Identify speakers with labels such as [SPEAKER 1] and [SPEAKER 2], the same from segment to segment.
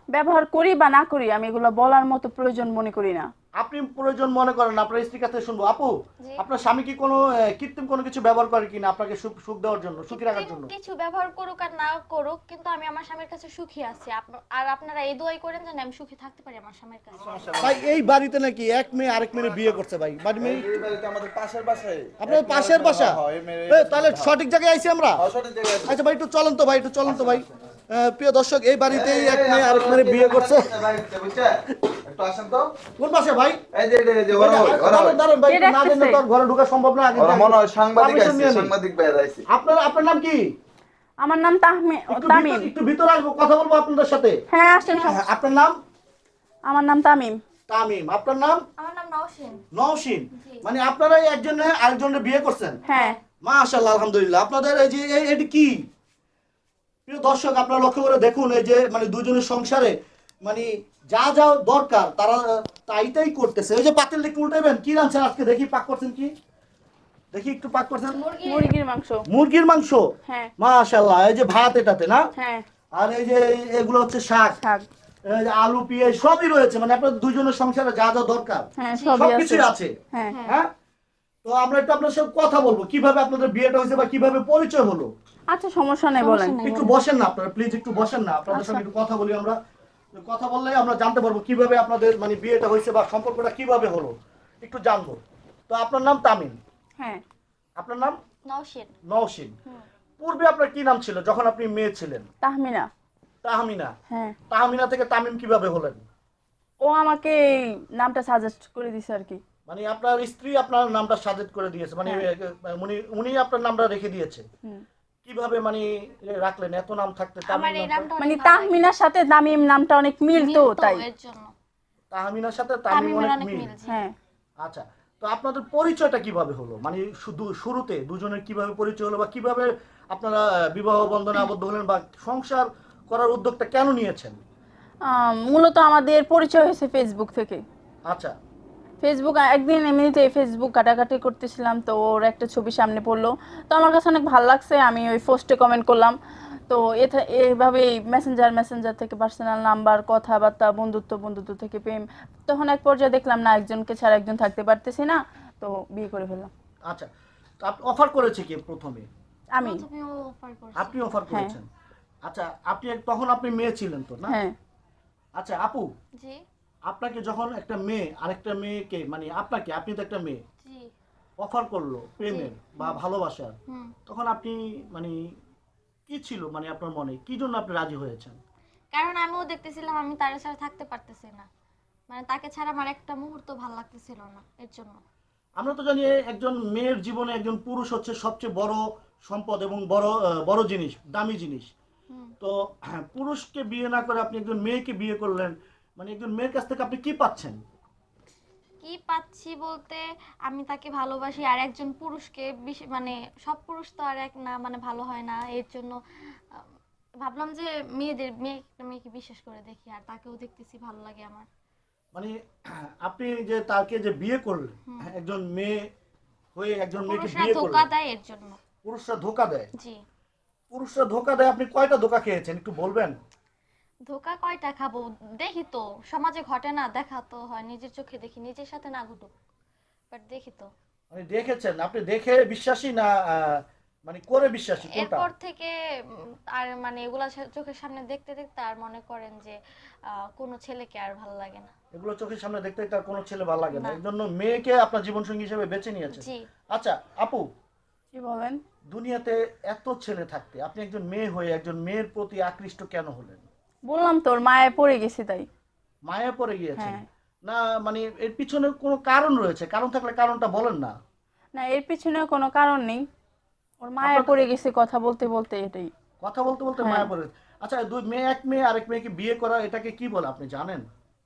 [SPEAKER 1] ব্যবহার করি বা না করি আমি এগুলো বলার মতো প্রয়োজন মনে করি না।
[SPEAKER 2] আপনি প্রয়োজন মনে করেন না, আপনার স্ত্রীর কাছে শুনবো। আপু,
[SPEAKER 3] জি।
[SPEAKER 2] আপনার স্বামী কি কোনো কৃত্রিম কোনো কিছু ব্যবহার করে কিনা আপনাকে সুখ সুখ দেওয়ার জন্য, সুখী রাখার
[SPEAKER 3] কৃত্রিম
[SPEAKER 2] জন্য?
[SPEAKER 3] কিছু ব্যবহার করুক আর না করুক, কিন্তু আমি আমার স্বামীর কাছে সুখী আছি। আর আপনারা এই দোয়াই করেন যেন আমি সুখী থাকতে পারি আমার স্বামীর কাছে।
[SPEAKER 2] ভাই এই বাড়িতে নাকি এক মেয়ে আরেক মেয়ে বিয়ে করছে ভাই, বাড়ি মেয়ে
[SPEAKER 4] এই বাড়িতে আমাদের পাশের বাসায়
[SPEAKER 2] আপনার পাশের বাসা? তাহলে সঠিক জায়গায় আইছি আমরা।
[SPEAKER 4] সঠিক জায়গায়
[SPEAKER 2] আচ্ছা ভাই একটু চলেন তো ভাই, একটু চলেন তো ভাই। প্রিয় দর্শক, এই বাড়িতেই এক মেয়ে আরেক মেয়ে বিয়ে করছে।
[SPEAKER 4] একটু আসেন তো।
[SPEAKER 2] কোন পাশে ভাই?
[SPEAKER 4] এই যে ওরা
[SPEAKER 2] দাঁড়ান, দাঁড়ান ভাই,
[SPEAKER 1] কে
[SPEAKER 2] একটু না
[SPEAKER 1] ডাকতেছে?
[SPEAKER 2] জানলে তো আর ঘরে ঢোকা সম্ভব না। আগে
[SPEAKER 4] ওরা মনে হয় সাংবাদিক
[SPEAKER 2] permission
[SPEAKER 4] আছে,
[SPEAKER 2] নিয়ে নিই।
[SPEAKER 4] সাংবাদিক ভাইরা আছে।
[SPEAKER 2] আপনার নাম কি?
[SPEAKER 1] আমার নাম তামিম।
[SPEAKER 2] একটু ভিতরে আসবো, কথা বলবো আপনাদের সাথে।
[SPEAKER 1] হ্যাঁ আসেন।
[SPEAKER 2] আপনার নাম?
[SPEAKER 1] আমার নাম তামিম।
[SPEAKER 2] তামিম। আপনার নাম?
[SPEAKER 3] আমার নাম নওশিন।
[SPEAKER 2] নওশিন। মানে আপনারাই একজনে আরেকজনের বিয়ে করছেন?
[SPEAKER 1] হ্যাঁ।
[SPEAKER 2] মাশাআল্লাহ, আলহামদুলিল্লাহ। আপনাদের এই যে এটি কি? প্রিয় দর্শক, আপনারা লক্ষ্য করে দেখুন, এই যে মানে দুজনের সংসারে মানে যা যা দরকার তারা তাইটাই করতেছে। ওই যে পাতিল একটু উল্টাইবেন, কি রাঁধছেন আজকে দেখি, পাক করছেন কি দেখি, একটু পাক করছেন।
[SPEAKER 1] মুরগির মাংস।
[SPEAKER 2] মুরগির মাংস।
[SPEAKER 1] হ্যাঁ।
[SPEAKER 2] মাশাআল্লাহ। এই যে ভাত এটাতে না?
[SPEAKER 1] হ্যাঁ।
[SPEAKER 2] আর এই যে এগুলো হচ্ছে শাক,
[SPEAKER 1] শাক।
[SPEAKER 2] এই যে আলু পেঁয়াজ সবই রয়েছে, মানে আপনাদের দুজনের সংসারে যা যা দরকার
[SPEAKER 1] হ্যাঁ সবই
[SPEAKER 2] সবকিছুই
[SPEAKER 1] আছে।
[SPEAKER 2] আছে।
[SPEAKER 1] হ্যাঁ।
[SPEAKER 2] হ্যাঁ, তো আমরা একটু আপনার সাথে কথা বলবো কিভাবে আপনাদের বিয়েটা হয়েছে বা কিভাবে পরিচয় হলো।
[SPEAKER 1] আচ্ছা সমস্যা নেই, বলেন।
[SPEAKER 2] একটু বসেন না আপনারা, প্লিজ একটু বসেন না, আপনাদের সঙ্গে একটু কথা বলি আমরা। কথা বললে আমরা জানতে পারবো কিভাবে আপনাদের মানে বিয়েটা হয়েছে বা সম্পর্কটা কিভাবে হলো, একটু জানবো। তো আপনার নাম তামিম,
[SPEAKER 1] হ্যাঁ।
[SPEAKER 2] আপনার নাম
[SPEAKER 3] নওশিন।
[SPEAKER 2] নওশিন। পূর্বে আপনার কি নাম ছিল যখন আপনি মেয়ে ছিলেন?
[SPEAKER 1] তাহমিনা।
[SPEAKER 2] তাহমিনা।
[SPEAKER 1] হ্যাঁ।
[SPEAKER 2] তাহমিনা থেকে তামিম কিভাবে হলেন?
[SPEAKER 1] ও আমাকে এই নামটা সাজেস্ট করে দিছে আর কি।
[SPEAKER 2] মানে আপনার স্ত্রী আপনার নামটা সাজেস্ট করে দিয়েছে, মানে উনি আপনার নামটা রেখে দিয়েছে। কিভাবে মানে রাখলেন এত নাম থাকতে
[SPEAKER 3] আমার
[SPEAKER 2] তামিম
[SPEAKER 3] এই
[SPEAKER 2] নামটা?
[SPEAKER 3] নামটা
[SPEAKER 1] মানে তাহমিনার সাথে তামিম নামটা অনেক মিল তো তাই।
[SPEAKER 3] এর জন্য
[SPEAKER 2] তাহমিনার সাথে তামিম
[SPEAKER 3] তামিমের
[SPEAKER 2] অনেক
[SPEAKER 3] অনেক
[SPEAKER 2] মিল।
[SPEAKER 3] মিল। জি।
[SPEAKER 1] হ্যাঁ।
[SPEAKER 2] আচ্ছা, তো আপনাদের পরিচয়টা কিভাবে হলো, মানে শুধু শুরুতে দুজনের কিভাবে পরিচয় হলো বা কিভাবে আপনারা বিবাহ বন্ধনে আবদ্ধ হলেন বা সংসার করার উদ্যোগটা কেন নিয়েছেন?
[SPEAKER 1] মূলত আমাদের পরিচয় হয়েছে ফেসবুক থেকে।
[SPEAKER 2] আচ্ছা।
[SPEAKER 1] ফেসবুক একদিন এমনিতে ফেসবুক ঘাটাঘাটি করতেছিলাম, তো ওর একটা ছবি সামনে পড়লো, তো আমার কাছে অনেক ভালো লাগছে, আমি ওই পোস্টে কমেন্ট করলাম। তো এইভাবেই মেসেঞ্জার থেকে পার্সোনাল নাম্বার, কথাবার্তা, বন্ধুত্ব থেকে প্রেম। তখন এক পর্যায়ে দেখলাম না, একজনকে ছাড়া একজন থাকতে পারতেছি না, তো বিয়ে করে ফেললাম।
[SPEAKER 2] আচ্ছা, তো আপনি অফার করেছে কি প্রথমে?
[SPEAKER 1] আমি।
[SPEAKER 3] প্রথমে ও অফার করছে।
[SPEAKER 2] আপনি অফার করেছেন? আচ্ছা, তখন আপনি মেয়ে ছিলেন তো না?
[SPEAKER 1] হ্যাঁ।
[SPEAKER 2] আচ্ছা আপু,
[SPEAKER 3] জি।
[SPEAKER 2] আপনাকে যখন একটা মেয়ে আরেকটা মেয়েকে মানে আপনি তো একটা মেয়ে
[SPEAKER 3] জি।
[SPEAKER 2] অফার করলো প্রেমের বা ভালোবাসার,
[SPEAKER 3] হুম।
[SPEAKER 2] তখন আপনি মানে কি ছিল, মানে আপনার মনে কি জন্য আপনি রাজি হয়েছেন?
[SPEAKER 3] কারণ আমিও দেখতেছিলাম আমি তার ছাড়া থাকতে পারতেছি না, মানে তাকে ছাড়া আমার একটা মুহূর্ত ভালো লাগতেছিল না, এর জন্য।
[SPEAKER 2] আমরা তো জানি একজন মেয়ের জীবনে একজন পুরুষ হচ্ছে সবচেয়ে বড় সম্পদ এবং বড় জিনিস, দামি জিনিস। তো পুরুষকে বিয়ে না করে আপনি একজন মেয়েকে বিয়ে করলেন, মানে একজন মেয়ের কাছ থেকে আপনি কি পাচ্ছেন?
[SPEAKER 3] কি পাচ্ছি বলতে, আমি তাকে ভালোবাসি, আর একজন পুরুষকে মানে সব পুরুষ তো আর এক না, মানে ভালো হয় না, এর জন্য ভাবলাম যে মেয়েকে বিশেষ করে দেখি, আর তাকেও দেখতেছি ভালো লাগে আমার।
[SPEAKER 2] মানে আপনি যে তাকে যে বিয়ে করলেন, একজন মেয়ে হয়ে একজন মেয়েকে
[SPEAKER 3] পুরুষরা
[SPEAKER 2] বিয়ে
[SPEAKER 3] ধোকা
[SPEAKER 2] করলেন,
[SPEAKER 3] দেয় এর জন্য।
[SPEAKER 2] পুরুষরা ধোকা দেয়।
[SPEAKER 3] জি।
[SPEAKER 2] পুরুষরা ধোকা দেয়, আপনি কয়টা ধোকা খেয়েছেন একটু বলবেন?
[SPEAKER 3] ধোকা কয়টা খাবো, দেখি তো, সমাজে ঘটে না, দেখা তো হয়, নিজের চোখে দেখি, নিজের সাথে না ঘটুক, বাট দেখি তো।
[SPEAKER 2] মানে দেখেছেন, আপনি দেখে বিশ্বাসী না মানে করে বিশ্বাসী কোনটা?
[SPEAKER 3] এরপর থেকে আর মানে এগুলা চোখের সামনে দেখতে দেখতে আর মনে করেন যে কোনো ছেলেকে আর ভালো লাগে না।
[SPEAKER 2] এগুলো চোখের সামনে দেখতে তার কোনো ছেলে ভালো লাগে না,
[SPEAKER 3] না।
[SPEAKER 2] এর জন্য মেয়েকে আপনার জীবনসঙ্গী হিসেবে বেছে নিয়েছেন।
[SPEAKER 3] জি।
[SPEAKER 2] আচ্ছা আপু,
[SPEAKER 1] কি বলেন?
[SPEAKER 2] দুনিয়াতে এত ছেলে থাকতে আপনি একজন মেয়ে হয়ে একজন মেয়ের প্রতি আকৃষ্ট কেন হলেন?
[SPEAKER 1] বললাম তো, ওর মায়ে পড়ে গেছি তাই।
[SPEAKER 2] মায়া পড়ে গিয়েছেন?
[SPEAKER 1] হ্যাঁ।
[SPEAKER 2] না মানে এর পিছনে কোনো কারণ রয়েছে, কারণ থাকলে কারণটা বলেন না।
[SPEAKER 1] না, এর পিছনে কোনো কারণ নেই, ওর মায়ে পড়ে গেছে কথা বলতে বলতে, এটাই।
[SPEAKER 2] কথা বলতে বলতে
[SPEAKER 1] হ্যাঁ।
[SPEAKER 2] মায়া পড়ে। আচ্ছা, এক মেয়ে আরেক মেয়েকে বিয়ে করা এটাকে কি বলে আপনি জানেন?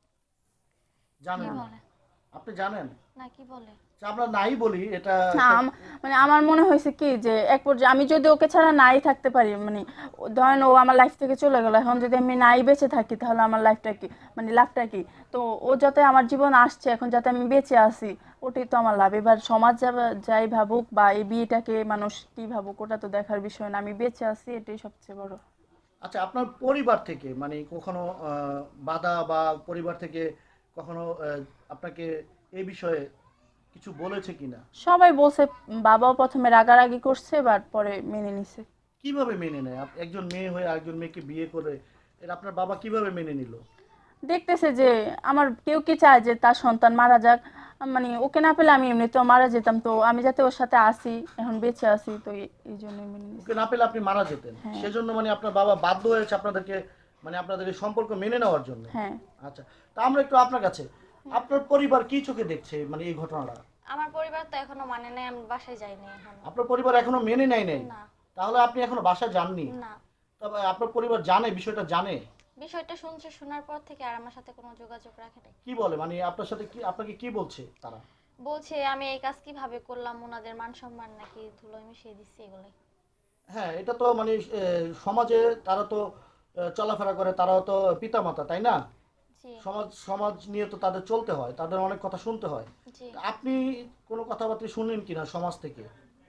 [SPEAKER 3] কি
[SPEAKER 2] জানেন না?
[SPEAKER 3] বলে?
[SPEAKER 2] আপনি জানেন?
[SPEAKER 3] না, কি বলে?
[SPEAKER 2] আচ্ছা, আমরা নাই বলি এটা।
[SPEAKER 1] না, মানে আমার মনে হয়েছে কি যে এক পর্যায়ে আমি যদি ওকে ছাড়া নাই থাকতে পারি, মানে ধরেন ও আমার লাইফ থেকে চলে গেল, এখন যদি আমি নাই বেঁচে থাকি তাহলে আমার লাইফটা কি, মানে লাভটা কি? তো ও যাতে আমার জীবন আসছে, এখন যাতে আমি বেঁচে আসি, ওটাই তো আমার লাভ। এবার সমাজ যাই ভাবুক বা এই বিয়েটাকে মানুষ কি ভাবুক, ওটা তো দেখার বিষয় না, আমি বেঁচে আছি, এটাই সবচেয়ে বড়।
[SPEAKER 2] আচ্ছা, আপনার পরিবার থেকে মানে কখনো বাধা বা পরিবার থেকে কখনো আপনাকে এই বিষয়ে কিছু বলেছে কিনা?
[SPEAKER 1] সবাই বলছে, বাবাও প্রথমে রাগারাগি করছে বাট পরে মেনে নিছে।
[SPEAKER 2] কিভাবে মেনে নেয়? একজন মেয়ে হয়ে আরেকজন মেয়েকে বিয়ে করে এটা আপনার বাবা কিভাবে মেনে নিল?
[SPEAKER 1] দেখতেছে যে আমার কেউ কি চায় যে তার সন্তান মারা যাক, মানে ওকে না পেলে আমি এমনিতেও মারা যেতাম, তো আমি যাতে ওর সাথে আসি, এখন বেঁচে আছি, তো এই জন্যই মেনে নিছি।
[SPEAKER 2] ওকে না পেলে আপনি মারা যেতেন,
[SPEAKER 1] হ্যাঁ।
[SPEAKER 2] সেজন্য মানে আপনার বাবা বাধ্য হয়েছে আপনাদেরকে মানে আপনাদের এই সম্পর্ক মেনে নেওয়ার জন্য।
[SPEAKER 1] হ্যাঁ।
[SPEAKER 2] আচ্ছা, তা আমরা একটু আপনার কাছে, আপনার পরিবার কি চোখে দেখছে মানে এই ঘটনাটা?
[SPEAKER 3] আমার পরিবার তো এখনো মানে নাই, আমি বাসায় যাইনি এখন।
[SPEAKER 2] আপনার পরিবার এখনো মেনে নেয় নাই?
[SPEAKER 3] না।
[SPEAKER 2] তাহলে আপনি এখনো বাসায় যাননি?
[SPEAKER 3] না,
[SPEAKER 2] তবে আপনার পরিবার জানে, বিষয়টা জানে?
[SPEAKER 3] বিষয়টা শুনছে, শোনার পর থেকে আর আমার সাথে কোনো যোগাযোগ রাখে নাই।
[SPEAKER 2] কি বলে মানে আপনার সাথে কি, আপনাকে কি বলছে তারা?
[SPEAKER 3] বলছে আমি এই কাজ কিভাবে করলাম, ওনাদের মান সম্মান নাকি ধুলোয় মিশিয়ে দিচ্ছি, এগুলোই।
[SPEAKER 2] হ্যাঁ, এটা তো মানে সমাজে তারা তো চলাফেরা করে, তারাও তো পিতামাতা, তাই না?
[SPEAKER 3] জি।
[SPEAKER 2] সমাজ নিয়ে তো তাদের চলতে হয়, তাদের অনেক কথা শুনতে হয়।
[SPEAKER 3] জি।
[SPEAKER 2] আপনি কোনো কথাবার্তা শুনেন কিনা সমাজ থেকে?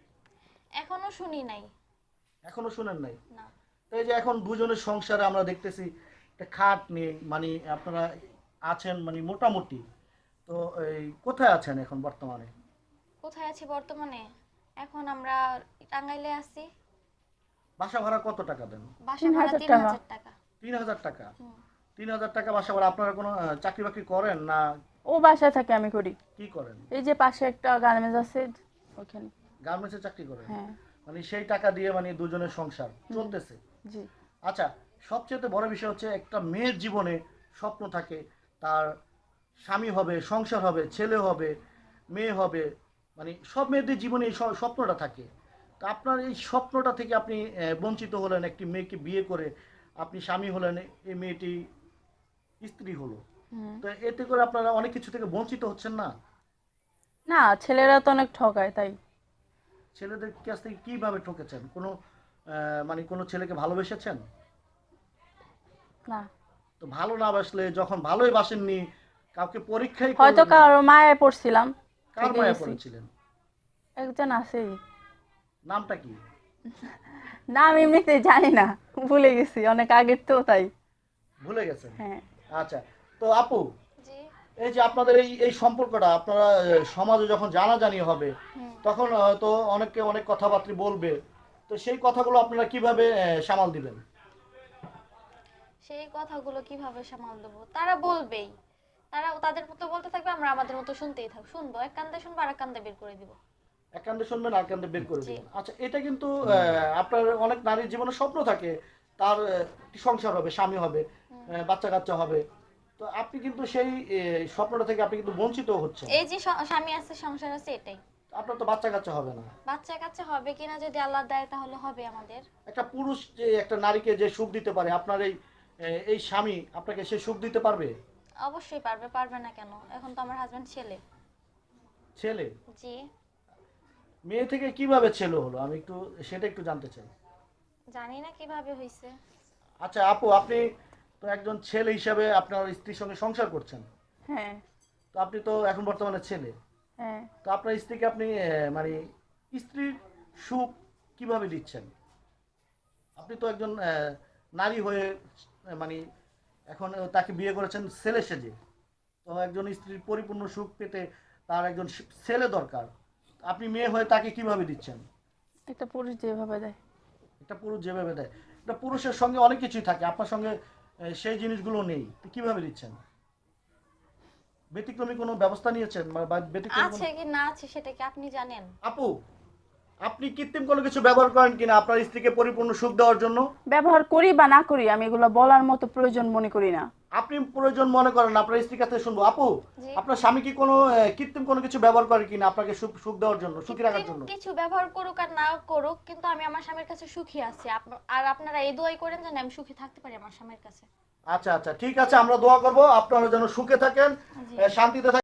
[SPEAKER 3] এখনো শুনি নাই।
[SPEAKER 2] এখনো শুনেন নাই?
[SPEAKER 3] না।
[SPEAKER 2] তো এই যে এখন দুজনের সংসারে আমরা দেখতেছি একটা খাট নেই, মানে আপনারা আছেন মানে মোটামুটি, তো এই কোথায় আছেন এখন বর্তমানে?
[SPEAKER 3] কোথায় আছি বর্তমানে? এখন আমরা টাঙ্গাইলে আছি।
[SPEAKER 2] বাসা ভাড়া কত টাকা দেন?
[SPEAKER 3] বাসা ভাড়া
[SPEAKER 1] 3000 টাকা।
[SPEAKER 3] 3000 টাকা।
[SPEAKER 2] 3000 টাকা?
[SPEAKER 3] হুম।
[SPEAKER 2] 3000 টাকা বাসা ভাড়া। আপনারা কোনো চাকরি বাকরি করেন না?
[SPEAKER 1] ও বাসায় থাকে, আমি করি।
[SPEAKER 2] কি করেন?
[SPEAKER 1] এই যে পাশে একটা গার্মেন্টস আছে ওখানে।
[SPEAKER 2] গার্মেন্টসে চাকরি করেন?
[SPEAKER 1] হ্যাঁ।
[SPEAKER 2] মানে সেই টাকা দিয়ে মানে দুজনের সংসার চলতেছে?
[SPEAKER 1] জি।
[SPEAKER 2] আচ্ছা, সবচেয়ে বড় বিষয় হচ্ছে একটা মেয়ের জীবনে স্বপ্ন থাকে, তার স্বামী হবে, সংসার হবে, ছেলে হবে, মেয়ে হবে, মানে সব মেয়েদের জীবনে এই স্বপ্নটা থাকে। তো আপনার এই স্বপ্নটা থেকে আপনি বঞ্চিত হলেন, একটি মেয়েকে বিয়ে করে আপনি স্বামী হলেন, এই মেয়েটি স্ত্রী হলো,
[SPEAKER 1] হুম।
[SPEAKER 2] তো এতে করে আপনারা অনেক কিছু থেকে বঞ্চিত হচ্ছেন না?
[SPEAKER 1] না, ছেলেরা তো অনেক ঠকায়, তাই।
[SPEAKER 2] ছেলেদের কাছ থেকে কিভাবে ঠকেছেন? কোনো মানে কোনো ছেলেকে ভালোবেসেছেন?
[SPEAKER 1] না,
[SPEAKER 2] তো ভালো না বাসলে, যখন ভালোই বাসেননি, কাউকে পরীক্ষাই
[SPEAKER 1] হয়তো
[SPEAKER 2] করলেন না,
[SPEAKER 1] কারো মায়ায় পড়ছিলাম,
[SPEAKER 2] কার
[SPEAKER 1] থেকে
[SPEAKER 2] মায়া
[SPEAKER 1] গেছি।
[SPEAKER 2] পড়েছিলেন?
[SPEAKER 1] একজন আছেই,
[SPEAKER 2] নামটা কি?
[SPEAKER 1] নাম এমনিতে জানি না, ভুলে গেছি অনেক আগের, তো তাই।
[SPEAKER 2] ভুলে গেছেন?
[SPEAKER 1] হ্যাঁ।
[SPEAKER 2] আচ্ছা, তো আপু,
[SPEAKER 3] জি।
[SPEAKER 2] এই যে আপনাদের এই এই সম্পর্কটা আপনারা সমাজে যখন জানাজানি হবে,
[SPEAKER 3] হুম।
[SPEAKER 2] তখন হয়তো অনেকে অনেক কথাবার্তা বলবে, তো সেই কথাগুলো আপনারা কিভাবে সামাল দিবেন?
[SPEAKER 3] সেই কথাগুলো কিভাবে সামাল দেবো? তারা বলবেই, তারা তাদের মতো বলতে থাকবে, আমরা আমাদের মতো শুনতেই থাকবো। শুনবো, এক কান্দে শুনবো আর এক কান্দে বের করে দিব।
[SPEAKER 2] এক কান্দে শুনবেন আর কান্দে বের করে
[SPEAKER 3] জি।
[SPEAKER 2] দিবেন। আচ্ছা, এটা কিন্তু আপনার অনেক নারীর জীবনে স্বপ্ন থাকে, তার একটি সংসার হবে, স্বামী হবে, বাচ্চা কাচ্চা হবে, তো আপনি কিন্তু সেই স্বপ্নটা থেকে আপনি কিন্তু বঞ্চিত হচ্ছেন।
[SPEAKER 3] এই যে স্বামী আছে, সংসার আছে, এটাই।
[SPEAKER 2] আপনার তো বাচ্চা কাচ্চা হবে না।
[SPEAKER 3] বাচ্চা কাচ্চা হবে কিনা যদি আল্লাহ দেয় তাহলে হবে আমাদের।
[SPEAKER 2] একটা পুরুষ যে একটা নারীকে যে সুখ দিতে পারে, আপনার এই স্বামী আপনাকে সে সুখ দিতে পারবে?
[SPEAKER 3] অবশ্যই পারবে, পারবে না কেন? এখন তো আমার হাজবেন্ড ছেলে।
[SPEAKER 2] ছেলে?
[SPEAKER 3] জি।
[SPEAKER 2] মেয়ে থেকে কিভাবে ছেলে হলো, আমি একটু সেটা একটু জানতে চাই।
[SPEAKER 3] জানি না কিভাবে হয়েছে।
[SPEAKER 2] আচ্ছা আপু, আপনি তো একজন ছেলে হিসাবে আপনার স্ত্রীর সঙ্গে সংসার করছেন,
[SPEAKER 1] হ্যাঁ।
[SPEAKER 2] তো আপনি তো এখন বর্তমানে ছেলে,
[SPEAKER 1] হ্যাঁ।
[SPEAKER 2] তো আপনার স্ত্রীকে আপনি মানে স্ত্রীর সুখ কিভাবে দিচ্ছেন? আপনি তো একজন নারী হয়ে মানে এখন তাকে বিয়ে করেছেন ছেলে সেজে, তো একজন স্ত্রীর পরিপূর্ণ সুখ পেতে তার একজন ছেলে দরকার, আপনি মেয়ে হয়ে তাকে কিভাবে দিচ্ছেন?
[SPEAKER 1] একটা পুরুষ যেভাবে দেয়।
[SPEAKER 2] একটা পুরুষ যেভাবে দেয়, একটা পুরুষের সঙ্গে অনেক কিছুই থাকে, আপনার সঙ্গে সেই জিনিসগুলো নেই, তো কিভাবে দিচ্ছেন? ব্যতিক্রমী কোনো ব্যবস্থা নিয়েছেন বা ব্যতিক্রমী
[SPEAKER 3] আছে কি না আছে সেটা কি আপনি জানেন?
[SPEAKER 2] আপু, আপনি কৃত্রিম কোনো কিছু ব্যবহার করেন কিনা আপনার স্ত্রীকে পরিপূর্ণ সুখ দেওয়ার জন্য?
[SPEAKER 1] ব্যবহার করি বা না করি, আমি এগুলো বলার মতো প্রয়োজন মনে করি না।
[SPEAKER 2] আপনি প্রয়োজন মনে করেন, আপনার স্ত্রীর কাছে শুনবো। আপু,
[SPEAKER 3] জি।
[SPEAKER 2] আপনার স্বামী কি কোনো কৃত্রিম কোনো কিছু ব্যবহার করে কিনা আপনাকে সুখ সুখ দেওয়ার জন্য, সুখী রাখার জন্য?
[SPEAKER 3] কিছু ব্যবহার করুক আর না করুক, কিন্তু আমি আমার স্বামীর কাছে সুখী আছি। আর আপনারা এই দোয়াই করেন যেন আমি সুখী থাকতে পারি আমার স্বামীর কাছে।
[SPEAKER 2] আচ্ছা আচ্ছা, ঠিক আছে, আমরা দোয়া করবো আপনারা যেন সুখে থাকেন,
[SPEAKER 3] জি।
[SPEAKER 2] শান্তিতে থাকেন।